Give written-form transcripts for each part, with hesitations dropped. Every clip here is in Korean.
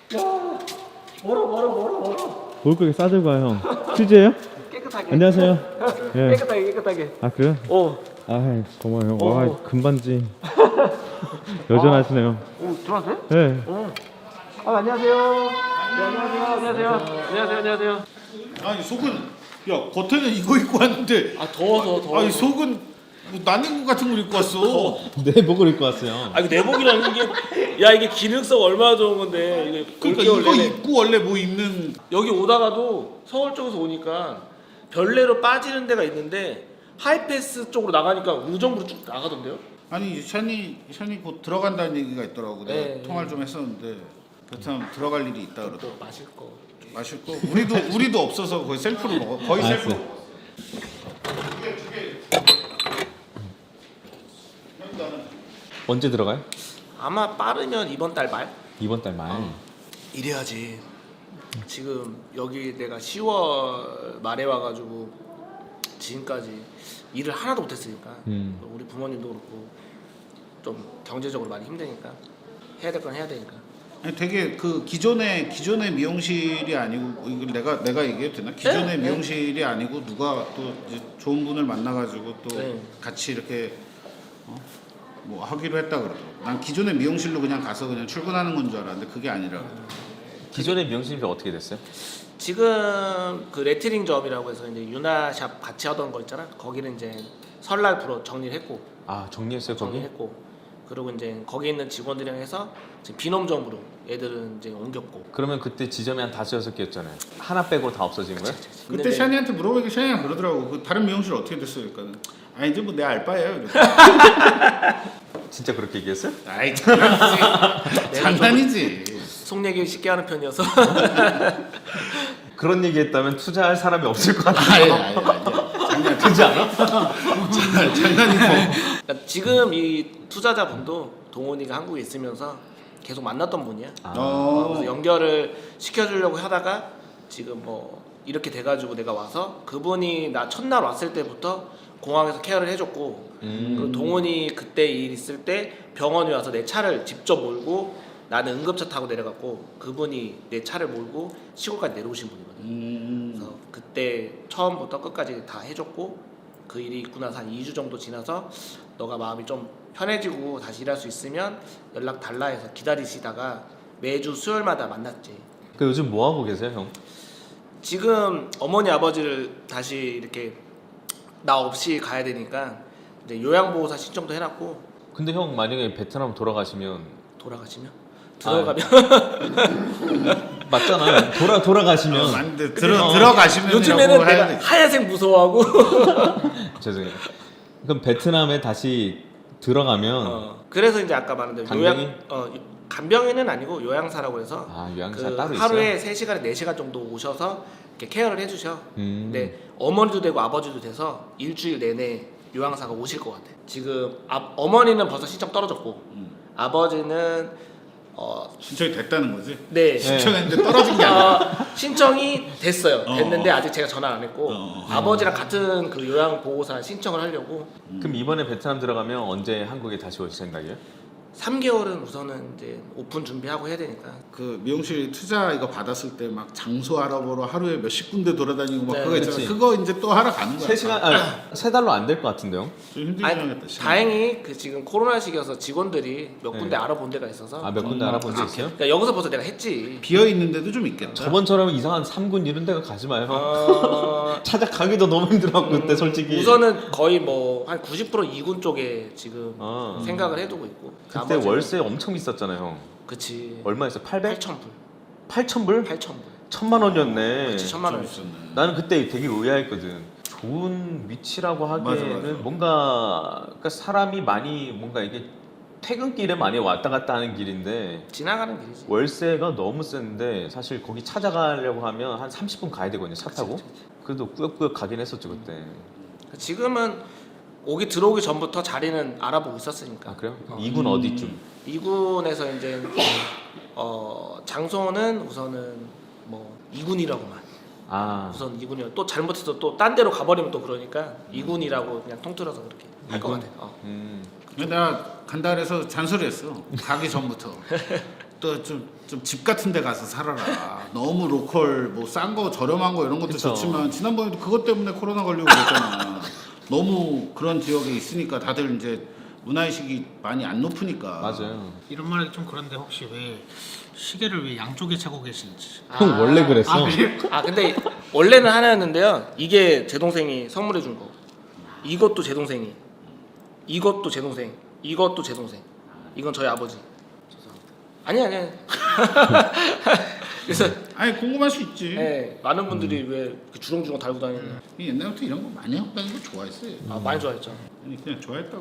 야, 멀어. 뭘 그렇게 싸들고 와요 형? 퓨즈예요? 깨끗하게. 안녕하세요. 예. 깨끗하게. 아 그래요? 아 고마워요. 와 금반지 여전하시네요. 오, 들어왔어요? 네. 안녕하세요. 네, 안녕하세요. 아니 속은 야 겉에는 이거 입고 왔는데 아, 더워서. 아니 속은 뭐 난닝구 같은 걸 입고 왔어. 내복을 입고 왔어요. 아, 이거 내복이라는 게, 야, 이게 기능성 얼마나 좋은 건데, 이게 그러니까 올겨울 이거 내내. 입고 원래 뭐 입는 여기 오다가도 서울 쪽에서 오니까 별내로 빠지는 데가 있는데 하이패스 쪽으로 나가니까 우정부로 쭉 나가던데요? 아니 션이 곧 들어간다는 얘기가 있더라고. 내가 네, 통화를 좀 했었는데 베트남 들어갈 일이 있다 그러더라고. 또 마실 거. 마실 거 우리도 없어서 거의 셀프로 먹어. 거의 셀프. 언제 들어가요? 아마 빠르면 이번 달 말? 이번 달 말. 이래야지. 지금 여기 내가 10월 말에 와가지고 지금까지 일을 하나도 못했으니까 우리 부모님도 그렇고 좀 경제적으로 많이 힘드니까 해야 될 건 해야 되니까. 아니 되게 그 기존의 미용실이 아니고 이걸 내가 얘기해도 되나? 기존의 네. 미용실이 아니고 누가 또 이제 좋은 분을 만나가지고 또 네. 같이 이렇게 뭐 하기로 했다 그러더라고. 난 기존의 미용실로 그냥 가서 그냥 출근하는 건 줄 알았는데 그게 아니라. 기존의 미용실이 어떻게 됐어요? 지금 그 레트링 점이라고 해서 이제 유나샵 같이 하던 거 있잖아. 거기는 이제 설날 프로 정리를 했고. 아 정리했어요 거기? 정리했고. 그리고 이제 거기 있는 직원들이랑 해서 지금 비놈점으로 애들은 이제 옮겼고. 그러면 그때 지점이 한 5-6개였잖아요. 하나 빼고 다 없어진 거예요? 그때 샤니한테 물어보니까 샤니가 그러더라고. 그 다른 미용실 어떻게 됐어요? 그러니까 아니 이제 뭐 내 알바예요. 이랬어. 진짜 그렇게 얘기했어요? 아이 장난이지. 장난이지. 속 얘기 쉽게 하는 편이어서. 그런 얘기했다면 투자할 사람이 없을 것 같아요. 아니. 그렇지 않아? 장난이고. 그러니까 지금 이 투자자분도 동원이가 한국에 있으면서 계속 만났던 분이야. 그래서 연결을 시켜주려고 하다가 지금 뭐 이렇게 돼가지고 내가 와서 그분이 나 첫날 왔을 때부터 공항에서 케어를 해줬고 그리고 동원이 그때 일 있을 때 병원에 와서 내 차를 직접 몰고 나는 응급차 타고 내려갔고 그분이 내 차를 몰고 시골까지 내려오신 분이거든. 그래서 그때 처음부터 끝까지 다 해줬고 그 일이 있고 나서 한 2주 정도 지나서 너가 마음이 좀 편해지고 다시 일할 수 있으면 연락 달라 해서 기다리시다가 매주 수요일마다 만났지. 그 요즘 뭐 하고 계세요 형? 지금 어머니 아버지를 다시 이렇게 나 없이 가야 되니까 이제 요양보호사 신청도 해놨고. 근데 형 만약에 베트남 돌아가시면 돌아가시면? 들어가면? 맞잖아. 돌아가시면 맞는데 들어가시면 요즘에는 내가 하얀색 무서워하고. 죄송해요. 그럼 베트남에 다시 들어가면 그래서 이제 아까 말한 대로 간병인? 간병인은 아니고 요양사라고 해서 요양사 그 따로 있어요? 하루에 3시간에 4시간 정도 오셔서 이렇게 케어를 해주셔. 근데 어머니도 되고 아버지도 돼서 일주일 내내 요양사가 오실 것 같아. 지금 어머니는 벌써 신청 떨어졌고 아버지는 신청이 됐다는 거지? 네. 신청했는데 떨어진 게 아니라. 신청이 됐어요. 됐는데 아직 제가 전화 안 했고 아버지랑 같은 그 요양보호사 신청을 하려고. 그럼 이번에 베트남 들어가면 언제 한국에 다시 올 생각이에요? 3개월은 우선은 이제 오픈 준비하고 해야 되니까. 그 미용실 투자 이거 받았을 때 막 장소 알아보러 하루에 몇십 군데 돌아다니고 막 네, 그거 있잖아. 그치. 그거 이제 또 하러 가는 거야. 3달로 안 될 것 같은데요? 좀 힘들긴 아니, 하겠다. 다행히 그 지금 코로나 시기여서 직원들이 몇 군데 알아본 데가 있어서. 몇 군데 알아본 데 있어요? 그러니까 여기서 벌써 내가 했지. 비어 있는 데도 좀 있겠다. 저번처럼 이상한 3군 이런 데가 가지 마요. 찾아가기도 너무 힘들었고 그때 솔직히. 우선은 거의 뭐 한 90% 2군 쪽에 지금 생각을 해두고 있고. 그때 월세 엄청 비쌌잖아요 형. 그치. 얼마였어? 800? 8,000불. 8,000불? 8,000불. 1000만 원이었네. 그치, 1000만 원. 있었네. 나는 그때 되게 의아했거든. 좋은 위치라고 하기에는 맞아. 뭔가 그러니까 사람이 많이 뭔가 이게 퇴근길에 많이 왔다 갔다 하는 길인데 지나가는 길이지. 월세가 너무 센데 사실 거기 찾아가려고 하면 한 30분 가야 되거든요 차 타고. 그래도 꾸역꾸역 가긴 했었죠 그때. 지금은 들어오기 전부터 자리는 알아보고 있었으니까. 아 그래요? 2군 어디쯤? 2군에서 이제 장소는 우선은 뭐 2군이라고만. 우선 2군이요. 또 잘못해서 또 딴 데로 가버리면 또 그러니까 2군이라고 그냥 통틀어서 그렇게 할 것 같아. 근데 내가 간다 그래서 잔소리했어. 가기 전부터. 또 좀 집 같은 데 가서 살아라. 너무 로컬 뭐 싼 거 저렴한 거 이런 것도 그쵸. 좋지만 지난번에도 그것 때문에 코로나 걸리고 그랬잖아. 너무 그런 지역에 있으니까 다들 이제 문화의식이 많이 안 높으니까. 맞아요. 이런 말이 좀 그런데 혹시 왜 시계를 왜 양쪽에 차고 계신지. 형 원래 그랬어. 근데 원래는 하나였는데요. 이게 제 동생이 선물해 준 거. 이것도 제 동생이. 이것도 제 동생. 이것도 제 동생. 이건 저희 아버지. 죄송합니다. 아니. 그래서 아니 궁금할 수 있지. 네, 많은 분들이 왜 이렇게 주렁주렁 달고 다니냐. 옛날부터 이런 거 많이 하고 다니는 거 좋아했어요. 많이 좋아했죠. 아니 그냥 좋아했다고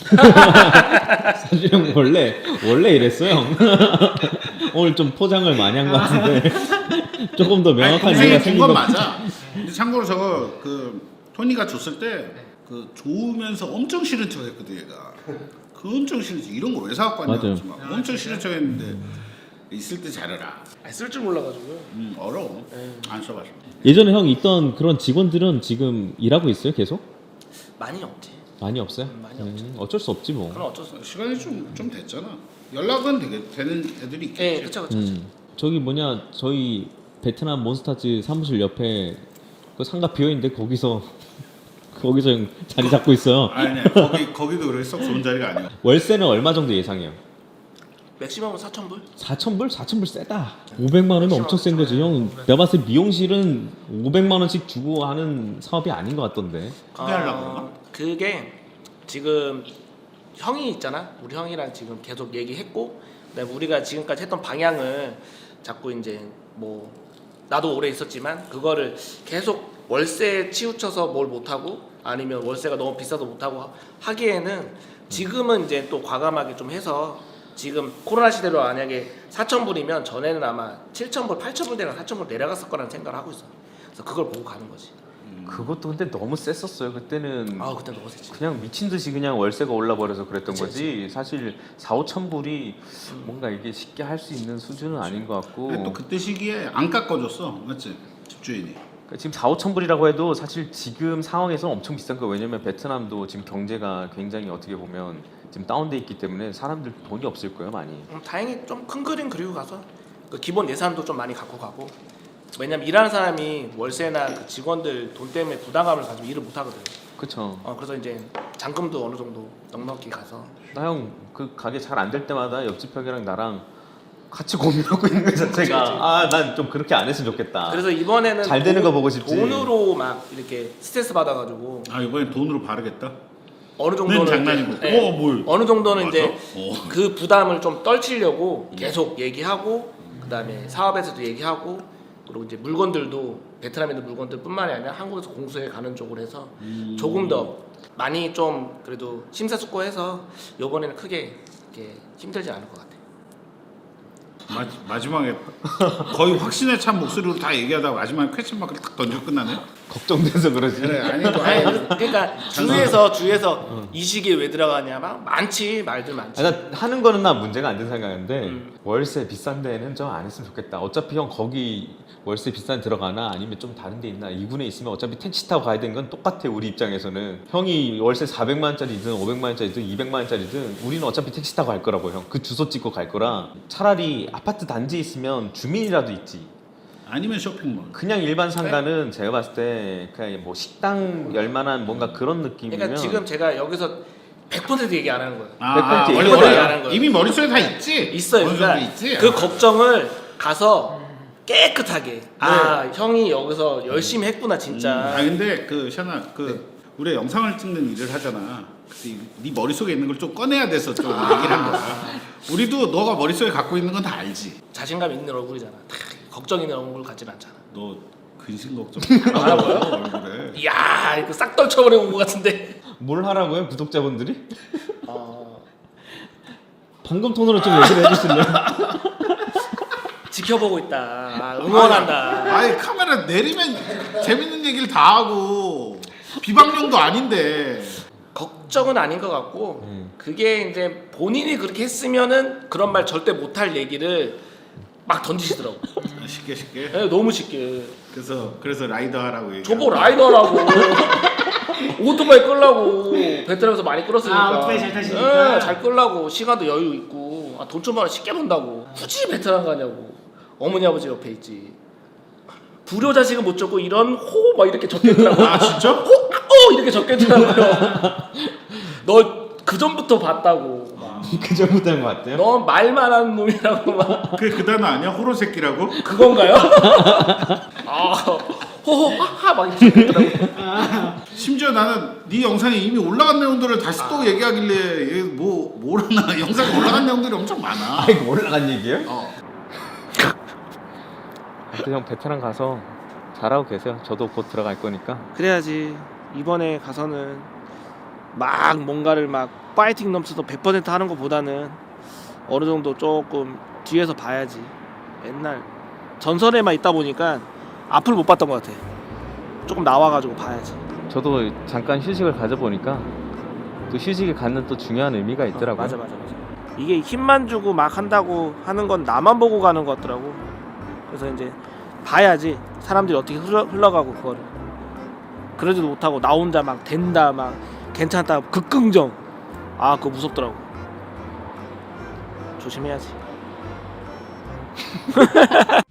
옛날. 사실은 원래 이랬어요. 형. 오늘 좀 포장을 많이 한 것 같은데 조금 더 명확한 이해가 동생이 생긴 준건 것 맞아. 근데 참고로 저거 그 토니가 줬을 때 그 좋으면서 엄청 싫은 척했거든 얘가. 그 엄청 싫은 척 이런 거 왜 사갖고 왔냐. 맞아요. 막 엄청 싫은 척했는데 있을 때 잘해라. 쓸 줄 몰라가지고요. 어려워. 네. 안 써봤어. 예전에 형 있던 그런 직원들은 지금 일하고 있어요 계속? 많이 없지. 많이 없어요? 많이 없죠. 어쩔 수 없지 뭐. 그럼 어쩔 수 없어. 시간이 좀 됐잖아. 연락은 되는 애들이 있겠지. 네, 그쵸. 저기 뭐냐 저희 베트남 몬스타즈 사무실 옆에 그 상가 비어 있는데 거기서 형 자리 잡고 있어요. 아니 거기도 그렇게 썩 좋은 자리가 아니야. 월세는 얼마 정도 예상해요? 맥시멈은 4,000불? 4,000불? 4,000불 세다. 500만 원이면 엄청 센 거지 형. 내가 봤을 때 미용실은 500만 원씩 주고 하는 사업이 아닌 것 같던데. 크게 하려고 그러나? 그게 지금 형이 있잖아. 우리 형이랑 지금 계속 얘기했고, 그다음에 우리가 지금까지 했던 방향을 자꾸 이제 뭐 나도 오래 있었지만 그거를 계속 월세에 치우쳐서 뭘 못하고 아니면 월세가 너무 비싸서 못하고 하기에는 지금은 이제 또 과감하게 좀 해서 지금 코로나 시대로 만약에 4,000불이면 전에는 아마 7,000불, 8,000불 대가 4,000불 내려갔을 거라는 생각을 하고 있어. 그래서 그걸 보고 가는 거지. 그것도 근데 너무 셌었어요. 그때는 그때 너무 세지. 그냥 미친 듯이 그냥 월세가 올라버려서 그랬던 그치, 거지. 사실 4-5천 불이 뭔가 이게 쉽게 할 수 있는 수준은 아닌 것 같고. 근데 또 그때 시기에 안 깎아줬어, 맞지? 집주인이. 그러니까 지금 4-5천 불이라고 해도 사실 지금 상황에서 엄청 비싼 거예요. 왜냐면 베트남도 지금 경제가 굉장히 어떻게 보면 지금 다운돼 있기 때문에 사람들 돈이 없을 거예요, 많이. 다행히 좀 큰 그림 그리고 가서 그 기본 예산도 좀 많이 갖고 가고. 왜냐면 일하는 사람이 월세나 그 직원들 돈 때문에 부담감을 가지고 일을 못 하거든. 그쵸. 그래서 이제 잔금도 어느 정도 넉넉히 가서. 나 형 그 가게 잘 안 될 때마다 옆집 형이랑 나랑 같이 고민하고 있는 거 자체가 난 좀 그렇게 안 했으면 좋겠다. 그래서 이번에는 잘 되는 거 보고 싶지. 돈으로 막 이렇게 스트레스 받아가지고 이번엔 돈으로 바르겠다. 어느 정도는 장난이고. 이제, 뭘? 어느 정도는 맞아? 이제 그 부담을 좀 떨치려고 계속 얘기하고 그다음에 사업에서도 얘기하고 그리고 이제 물건들도 베트남에 있는 물건들뿐만이 아니라 한국에서 공수해 가는 쪽으로 해서 조금 더 많이 좀 그래도 심사숙고해서 이번에는 크게 이렇게 힘들지 않을 것 같아요. 마지막에 거의 확신에 찬 목소리로 다 얘기하다가 마지막에 퀘스천 마크를 딱 던지고 끝나네. 걱정돼서 그러지. 그래 아니 그러니까 주위에서 이 시기에 왜 들어가냐 막 많지 말들 많지. 나 하는 거는 나 문제가 안 된 생각인데 월세 비싼 데는 좀 안 했으면 좋겠다. 어차피 형 거기 월세 비싼 데 들어가나 아니면 좀 다른 데 있나 2군에 있으면 어차피 택시 타고 가야 되는 건 똑같아. 우리 입장에서는 형이 월세 400만 원짜리든 500만 원짜리든 200만 원짜리든 우리는 어차피 택시 타고 갈 거라고. 형 그 주소 찍고 갈 거라. 차라리 아파트 단지에 있으면 주민이라도 있지. 아니면 쇼핑몰. 그냥 일반 상가는 제가 봤을 때 그냥 뭐 식당 열만한 뭔가 그런 느낌이면. 그러니까 지금 제가 여기서 100% 얘기 안 하는 거예요. 100% 원래 이거야. 얘기 안 하는 거예요. 이미 머릿속에 다 있지. 있어요. 어느 그러니까 정도 있지. 그 걱정을 가서 깨끗하게 형이 여기서 열심히 했구나 진짜. 근데 그 샤나 우리 영상을 찍는 일을 하잖아. 근데 네 머릿속에 있는 걸 좀 꺼내야 돼서 좀 얘기를 한 거야. 우리도 너가 머릿속에 갖고 있는 건 다 알지. 자신감 있는 얼굴이잖아. 걱정 있는 얼굴 같진 않잖아. 너 근심 걱정 알아보여? 얼굴에. 이야 이거 싹 떨쳐버리고 온 것 같은데. 뭘 하라고요 구독자분들이? 어, 방금 톤으로 좀 얘기를 해주실래요? 지켜보고 있다. 응원한다. 아니 카메라 내리면 재밌는 얘기를 다 하고 비방용도 아닌데. 걱정은 아닌 것 같고 그게 이제 본인이 그렇게 했으면은 그런 말 절대 못할 얘기를 막 던지시더라고. 쉽게. 네, 너무 쉽게. 그래서 라이더 하라고 얘기. 저보 라이더라고. 오토바이 끌라고 베트남에서 많이 끌었으니까. 오토바이 잘 타시니까. 네, 잘 끌라고 시간도 여유 있고 돈 좀 벌어 쉽게 번다고 굳이 베트남 가냐고. 어머니 아버지 옆에 있지. 불효자식은 못 줬고 이런 호 막 이렇게 적혀있더라고요. 아 진짜? 호 이렇게 적혀있더라고요. 너 그 전부터 봤다고 막. 그 전부터 한 것 같아요. 너 말만 하는 놈이라고 막. 그게 그 단어 아니야? 호로 새끼라고? 그건가요? 아 호호 하하 막 이렇게 적혀있더라고요. 심지어 나는 네 영상에 이미 올라간 내용들을 다시 또 얘기하길래 얘 뭐라나 영상에 올라간 내용들이 엄청 많아. 아 이거 올라간 얘기예요? 하여튼 형 베트남 가서 잘하고 계세요. 저도 곧 들어갈 거니까. 그래야지. 이번에 가서는 막 뭔가를 막 파이팅 넘쳐서 100% 하는 것보다는 어느 정도 조금 뒤에서 봐야지. 맨날 전설에만 있다 보니까 앞을 못 봤던 것 같아. 조금 나와가지고 봐야지. 저도 잠깐 휴식을 가져보니까 또 휴식이 갖는 또 중요한 의미가 있더라고요. 맞아. 이게 힘만 주고 막 한다고 하는 건 나만 보고 가는 것 같더라고. 그래서 이제 봐야지 사람들이 어떻게 흘러가고 그거를. 그러지도 못하고 나 혼자 막 된다 막 괜찮다 극긍정. 아 그거 무섭더라고. 조심해야지.